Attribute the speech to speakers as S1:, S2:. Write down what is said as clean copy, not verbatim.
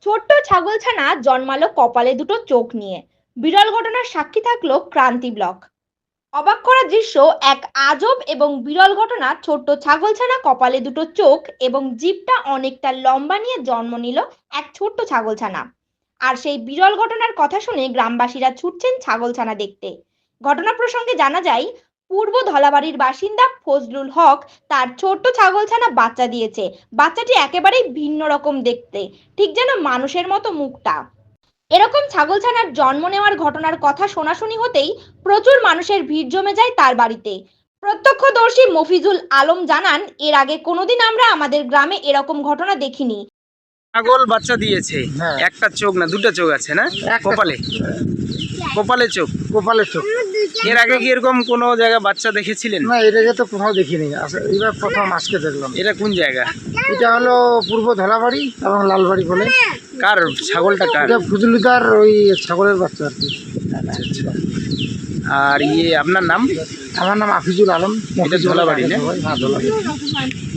S1: ছোট্ট ছাগলছানা জন্মালো কপালে দুটো চোখ নিয়ে। বিরল ঘটনার সাক্ষী থাকলো ক্রান্তি ব্লক। অবাক করা দৃশ্য, এক আজব এবং বিরল ঘটনা। ছোট্ট ছাগলছানা কপালে দুটো চোখ এবং জিভটা অনেকটা লম্বা নিয়ে জন্ম নিল এক ছোট্ট ছাগলছানা। আর সেই বিরল ঘটনার কথা শুনে গ্রামবাসীরা ছুটছেন ছাগলছানা দেখতে। ঘটনা প্রসঙ্গে জানা যায়, পূর্ব ধলাবাড়ির বাসিন্দা ফজলুল হক তার ছোট্ট ছাগলছানা বাচ্চা দিয়েছে। বাচ্চাটি একেবারেই ভিন্ন রকম দেখতে, ঠিক যেন মানুষের মতো মুখটা। এরকম ছাগলছানার জন্ম নেওয়ার ঘটনার কথা শোনাশুনি হতেই প্রচুর মানুষের ভিড় জমে যায় তার বাড়িতে। প্রত্যক্ষদর্শী মফিজুল আলম জানান, এর আগে কোনোদিন আমরা আমাদের গ্রামে এরকম ঘটনা দেখিনি।
S2: ছাগল বাচ্চা দিয়েছে।
S3: হ্যাঁ।
S2: একটা চোখ না দুটো চোখ আছে না? কপালে কপালে চোখ।
S3: কপালের চোখ।
S2: এর আগে কি এরকম কোনো জায়গায় বাচ্চা দেখেছিলেন?
S3: না, এর আগে তো কোথাও দেখিনি, এবার প্রথম আজকে দেখলাম।
S2: এটা কোন জায়গা?
S3: এটা হলো পূর্ব ধলাবাড়ি এবং লালবাড়ি বলে।
S2: কার ছাগলটা কার?
S3: এটা ফজলুদার ওই ছাগলের বাচ্চা আর কি।
S2: আচ্ছা আচ্ছা। আর আপনার নাম?
S3: আমার নাম আফিজুল আলম।
S2: এটা ধলাবাড়ি না?
S3: হ্যাঁ, ধলাবাড়ি।